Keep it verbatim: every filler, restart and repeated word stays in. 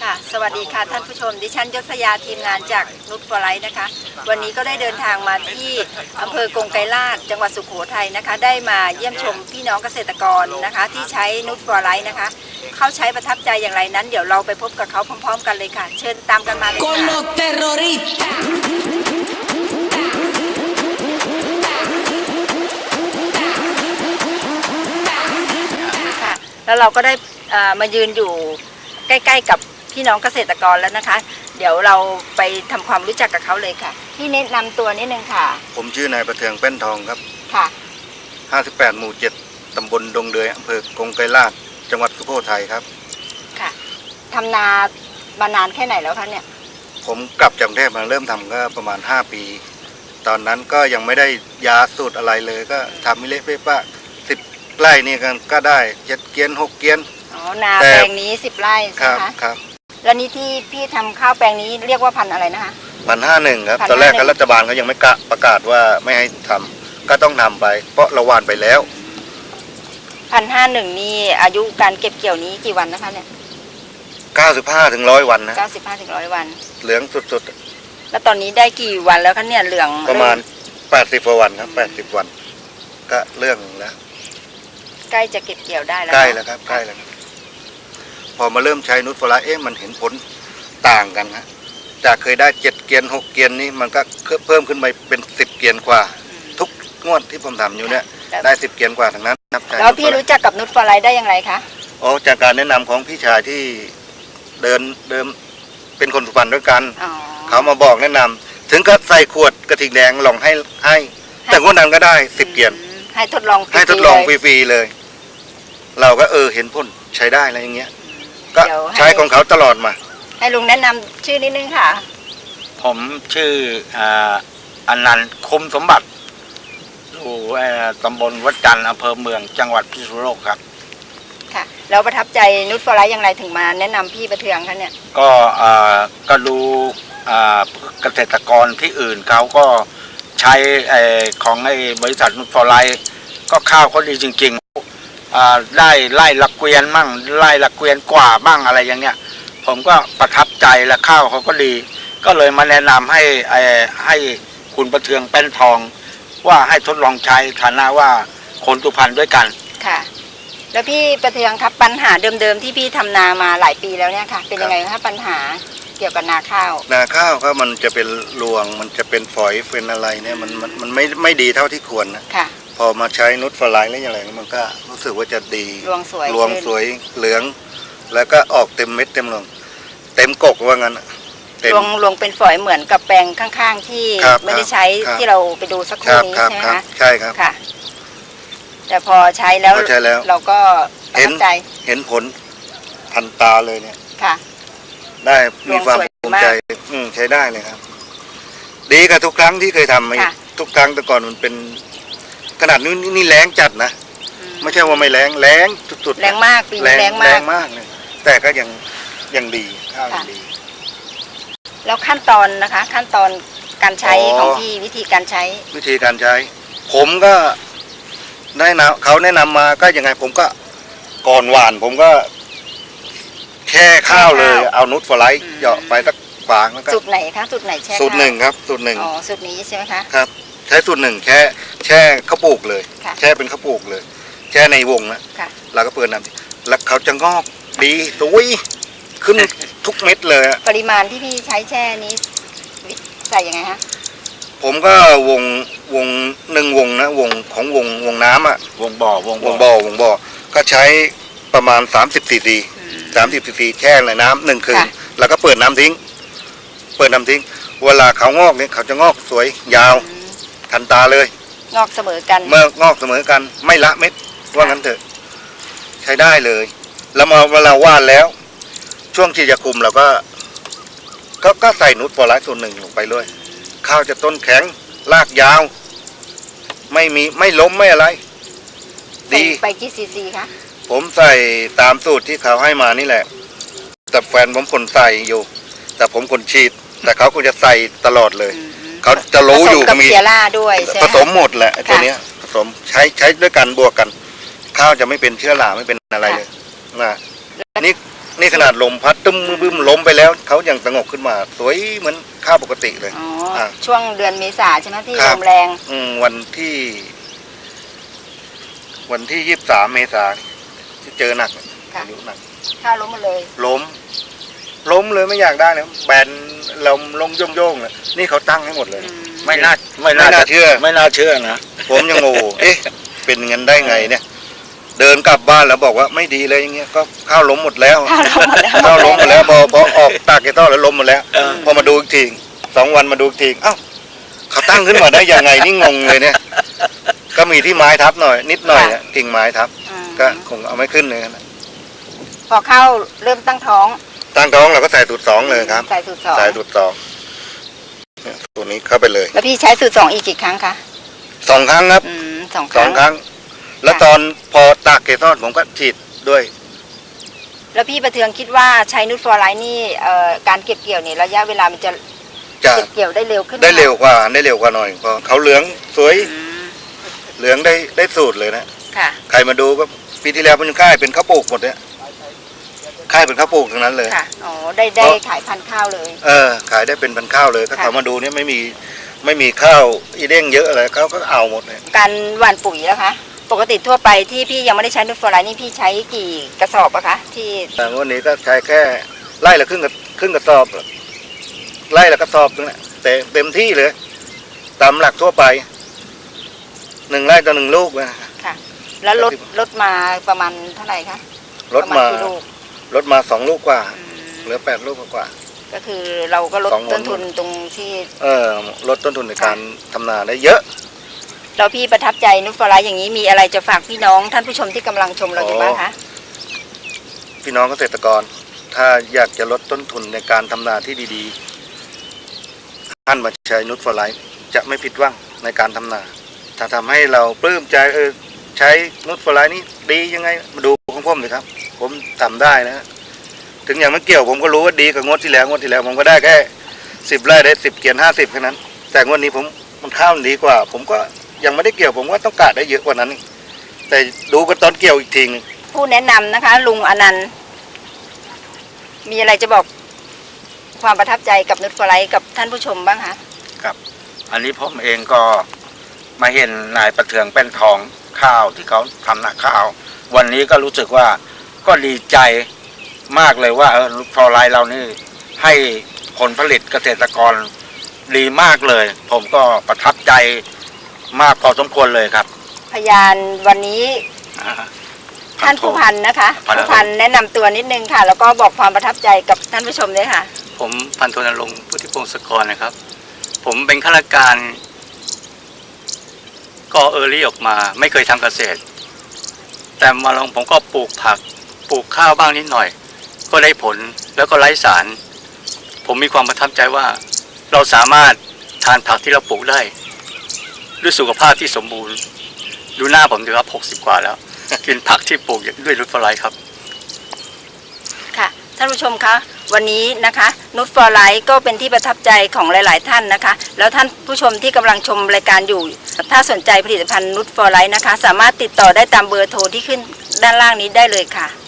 ค่ะสวัสดีค่ะท่านผู้ชมดิฉันยศยาทีมงานจากนุชฟอร์ไลท์นะคะวันนี้ก็ได้เดินทางมาที่อำเภอกงไกรลาษฎร์จังหวัดสุโขทัยนะคะได้มาเยี่ยมชมพี่น้องเกษตรกรนะคะที่ใช้นุชฟอร์ไลท์นะคะเขาใช้ประทับใจอย่างไรนั้นเดี๋ยวเราไปพบกับเขาพร้อมๆกันเลยค่ะเชิญตามกันมาเลยค่ะแล้วเราก็ได้มายืนอยู่ใกล้ๆกับพี่น้องเกษตรกรแล้วนะคะเดี๋ยวเราไปทำความรู้จักกับเขาเลยค่ะพี่แนะนำตัวนิดนึงค่ะผมชื่อนายประเทืองแป้นทองครับค่ะห้าสิบแปดหมู่เจ็ดตำบลดงเดือยอำเภอกงไกรลาษฎร์จังหวัดสุโขทัยครับค่ะทำนามานานแค่ไหนแล้วคะเนี่ยผมกลับจากกรุงเทพมาเริ่มทำก็ประมาณห้าปีตอนนั้นก็ยังไม่ได้ยาสูตรอะไรเลยก็ทำมิเละเป๊ะสิบไร่นี่กันก็ได้เจ็ดเกียนหกเกียนอ๋อนาแปลงนี้สิบไร่ใช่ไหมคะครับแล้วนี่ที่พี่ทำข้าวแปลงนี้เรียกว่าพันอะไรนะคะพันห้าหนึ่งครับตอนแรกรัฐบาลเขายังไม่ประกาศว่าไม่ให้ทำก็ต้องทำไปเพราะเราหว่านไปแล้วพันห้าหนึ่งนี่อายุการเก็บเกี่ยวนี้กี่วันนะคะเนี่ยเก้าสิบห้าถึงร้อยวันนะเก้าสิบห้าถึงร้อยวันเหลืองสุดๆแล้วตอนนี้ได้กี่วันแล้วคะเนี่ยเหลืองประมาณแปดสิบวันครับแปดสิบวันก็เรื่องแล้วใกล้จะเก็บเกี่ยวได้แล้วใกล้แล้วครับใกล้แล้วพอมาเริ่มใช้นุชฟอร์ไลท์เอ๊ะมันเห็นผลต่างกันฮะจากเคยได้เจ็ดเกียนหกเกียนนี่มันก็เพิ่มขึ้นไปเป็นสิบเกียนกว่าทุกงวดที่ผมทำอยู่เนี่ยได้สิบเกียนกว่าทั้งนั้นครับแล้วพี่รู้จักกับนุชฟอร์ไลท์ได้อย่างไรคะอ๋อจากการแนะนำของพี่ชายที่เดินเดิมเป็นคนสุพรรณด้วยกันเขามาบอกแนะนำถึงก็ใส่ขวดกระถิ่งแดงลองให้ให้แต่งวดนั้นก็ได้สิบเกียนให้ทดลองให้ทดลองฟรีๆเลยเราก็เออเห็นผลใช้ได้อะไรอย่างเงี้ยก็ใช้ของเขาตลอดมาให้ลุงแนะนำชื่อนิดนึงค่ะผมชื่ออนันต์คุ้มสมบัติอยู่ตำบลวัดจันทร์อำเภอเมืองจังหวัดพิษณุโลกครับค่ะแล้วประทับใจนุชฟอร์ไลท์อย่างไรถึงมาแนะนำพี่ประเทืองคะเนี่ยก็ก็ดูเกษตรกรที่อื่นเขาก็ใช้ของไอ้บริษัทนุชฟอร์ไลท์ก็ข้าวเขาดีจริงๆได้ไล่ละเกวียนมั่งไล่ละเกวียนกว่าบ้างอะไรอย่างเงี้ยผมก็ประทับใจและข้าวเขาก็ดีก็เลยมาแนะนำให้ให้คุณประเทืองแป้นทองว่าให้ทดลองใช้ฐานะว่าคนสุพรรณด้วยกันค่ะแล้วพี่ประเทืองครับปัญหาเดิมๆที่พี่ทำนามาหลายปีแล้วเนี่ยค่ะเป็นยังไงคะปัญหาเกี่ยวกับนาข้าวนาข้าวก็มันจะเป็นรวงมันจะเป็นฝอยเป็นอะไรเนี่ยมันมันมันไม่ไม่ดีเท่าที่ควรนะค่ะพอมาใช้นุชฟอร์ไลท์แล้วอย่างไรมันก็รู้สึกว่าจะดีรวงสวยรวงสวยเหลืองแล้วก็ออกเต็มเม็ดเต็มรวงเต็มกกว่างั้นรวงรวงเป็นฝอยเหมือนกับแปลงข้างๆที่ไม่ได้ใช้ที่เราไปดูสักครู่นี้ใช่ไหมคะใช่ครับค่ะแต่พอใช้แล้วเราก็เห็นเห็นผลทันตาเลยเนี่ยค่ะได้มีความภูมิใจใช้ได้เลยครับดีกับทุกครั้งที่เคยทำมาทุกครั้งแต่ก่อนมันเป็นขนาดนี้นี่แรงจัดนะไม่ใช่ว่าไม่แรงแรงสุดๆแรงมากปีนี้แรงมากแรงมากเลยแต่ก็ยังยังดีข้าวยังดีแล้วขั้นตอนนะคะขั้นตอนการใช้ของพี่วิธีการใช้วิธีการใช้ผมก็ได้นะเขาแนะนำมาก็ยังไงผมก็ก่อนหวานผมก็แช่ข้าวเลยเอานุชฟอร์ไลท์เหยาะไปสักฝางแล้วก็สูตรไหนคะสูตรไหนแช่สูตรหนึ่งครับสูตรหนึ่งอ๋อสูตรนี้ใช่ไหมคะครับใช้สูตรหนึ่งแช่แช่ข้าวปลูกเลยแช่เป็นข้าวปลูกเลยแช่ในวงนะเราก็เปิดน้ำแล้วเขาจะงอกดีสวยขึ้นทุกเม็ดเลยปริมาณที่พี่ใช้แช่นี้ใส่ยังไงฮะผมก็วงวงหนึ่งวงนะวงของวงวงน้ำอ่ะวงบ่อวงวงบ่อวงบ่อก็ใช้ประมาณสามสิบซีซีสามสิบซีซีแช่ในน้ำหนึ่งคืนแล้วก็เปิดน้ำทิ้งเปิดน้ำทิ้งเวลาเขางอกเนี่ยเขาจะงอกสวยยาวทันตาเลยงอกเสมอกันเมื่องอกเสมอกันไม่ละเม็ดว่างั้นเถอะใช้ได้เลยแล้วมาเวลาว่านแล้วช่วงที่จะคุมเราก็ก็ก็ใส่นุชฟอร์ไลท์ส่วนหนึ่งลงไปเลยข้าวจะต้นแข็งรากยาวไม่มีไม่ล้มไม่อะไรดีไปกี่ซีซีคะผมใส่ตามสูตรที่เขาให้มานี่แหละแต่แฟนผมคนใส่อยู่แต่ผมคนฉีดแต่เขาก็จะใส่ตลอดเลยเขาจะรู้อยู่มีผสมหมดแหละตัวนี้ผสมใช้ใช้ด้วยกันบวกกันข้าวจะไม่เป็นเชื้อราไม่เป็นอะไรเลยนะนี่นี่ขนาดลมพัดตึ้มบึ้มล้มไปแล้วเขายังสงบขึ้นมาสวยเหมือนข้าวปกติเลยอ๋ออ่ะช่วงเดือนเมษาใช่ไหมที่ครัลบมแรงอืมวันที่ วันที่ยี่สิบสามเมษาที่เจอหนักค่ะพายุหนักข้าวล้มหมาเลยล้ม ล้มเลยไม่อยากได้เลยแบนลมลงโย่งๆเลยนี่เขาตั้งให้หมดเลยอืมไม่น่าไม่น่าเชื่อไม่น่าเชื่อนะผมยังโง่เอ๊ะ เป็นเงินได้ไงเนี่ย เดินกลับบ้านแล้วบอกว่าไม่ดีเลยอย่างเงี้ยก็ข้าวล้มหมดแล้วข้าวล้มหมดแล้วข้าวล้มหมดแล้วพอพอออกตากเกต้อแล้วล้มหมดแล้วเออพอมาดูอีกทีสองวันมาดูอีกทีเอ้าเขาตั้งขึ้นมาได้ยังไงนี่งงเลยเนี่ย ก็มีที่ไม้ทับหน่อย นิดหน่อยอะกิ่งไม้ทับอืมก็คงเอาไม่ขึ้นเลยนะพอข้าวเริ่มตั้งท้องตั้งท้องเราก็ใส่สูตรสองเลยครับใส่สูตรสองใส่สูตรสองเนี่ยตัวนี้เข้าไปเลยแล้วพี่ใช้สูตรสองอีกกี่ครั้งคะสองครั้งครับอืมสองคสอรั้งงครั้ง แล้วตอนพอตากเกต้อผมก็ฉีดด้วยแล้วพี่ประเทืองคิดว่าใช้นูตฟอร์ไลท์นี่เอ่อการเก็บเกี่ยวเนี่ยระยะเวลามันจะจะเก็บเกี่ยวได้เร็วขึ้นหมได้เร็วกว่าได้เร็วกว่าหน่อยเพราะเขาเหลืองสวยอืมเหลืองได้ได้สูตรเลยนะค่ะใครมาดูก็ปีที่แล้วมันค่ายเป็นข้าวปลูกหมดเนี่ยค่ายเป็นข้าวปลูกทั้งนั้นเลยค่ะอ๋อได้ได้ขายพันธุ์ข้าวเลยเออ ขายได้เป็นพันข้าวเลยถ้าค่ะเขามาดูเนี่ยไม่มีไม่มีข้าวอีเด้งเยอะอะไรเขาก็เอาหมดเลยการหว่านปุ๋ยแล้วคะปกติทั่วไปที่พี่ยังไม่ได้ใช้นูตฟอร์ไลท์นี่พี่ใช้กี่กระสอบอะคะที่แต่วันนี้ก็ใช้แค่ไล่ละครึ่งกับครึ่งกระสอบไล่ละกระสอบนึงแหละแต่เต็มที่เลยตามหลักทั่วไปหนึ่งไร่ต่อหนึ่งลูกนะค่ะ แล้วลดลดมาประมาณเท่าไหร่คะลดมาประณกี่ลูกลดมาสองลูกกว่าอืมเหลือแปดลูกกว่าก็คือเราก็ลดสองหนต้นทุนตรงที่เออลดต้นทุนในการทำนาได้เยอะเราพี่ประทับใจนูตฟอร์ไลท์อย่างนี้มีอะไรจะฝากพี่น้องท่านผู้ชมที่กำลังชมเราอยู่บ้างคะพี่น้องเกษตรกร ถ้าอยากจะลดต้นทุนในการทำนาที่ดีๆท่านมาใช้นูตฟอร์ไลท์จะไม่ผิดหวังในการทำนา ถ้าทำให้เราปลื้มใจเออใช้นูตฟอร์ไลท์นี่ดียังไงมาดูของผมเลยครับ ผมทำได้นะ ถึงอย่างไม่เกี่ยวผมก็รู้ว่าดีกว่างวดที่แล้วงวดที่แล้วผมก็ได้แค่สิบไร่ได้สิบเกียนห้าสิบแค่นั้น แต่งวดนี้ผมมันข้าวมันดีกว่า ผมก็ยังไม่ได้เกี่ยวผมก็ต้องการได้เยอะกว่านั้นอีกแต่ดูกันตอนเกี่ยวอีกทีนึงผู้แนะนำนะคะ ลุงอนันต์มีอะไรจะบอกความประทับใจกับนูตฟอร์ไลท์กับท่านผู้ชมบ้างคะครับ อันนี้ผมเองก็มาเห็นนายประเทืองเป็นทองข้าวที่เขาทำนาข้าว วันนี้ก็รู้สึกว่าก็ดีใจมากเลยว่าเออฟอร์ไลท์เรานี่ให้ผลผลิตเกษตรกรดีมากเลย ผมก็ประทับใจมากพอสมควรเลยครับพยานวันนี้อ่าท่านผู้พันนะคะพันโทผู้พันแนะนำตัวนิดนึงค่ะ แล้วก็บอกความประทับใจกับท่านผู้ชมด้วยค่ะผมพันโทนรงค์พุทธิพงศกรนะครับ ผมเป็นข้าราชการก็เออรี่ออกมาไม่เคยทำเกษตร แต่มาลองผมก็ปลูกผักปลูกข้าวบ้างนิดหน่อย ก็ได้ผลแล้วก็ไร้สาร ผมมีความประทับใจว่าเราสามารถทานผักที่เราปลูกได้ด้วยสุขภาพที่สมบูรณ์ ดูหน้าผมดูครับหกสิบกว่าแล้ว กินผักที่ปลูกด้วยนูตฟอร์ไลท์ครับค่ะท่านผู้ชมคะวันนี้นะคะนูตฟอร์ไลท์ก็เป็นที่ประทับใจของหลาย ๆ ท่านนะคะ แล้วท่านผู้ชมที่กำลังชมรายการอยู่ ถ้าสนใจผลิตภัณฑ์นูตฟอร์ไลท์นะคะ สามารถติดต่อได้ตามเบอร์โทรที่ขึ้นด้านล่างนี้ได้เลยค่ะ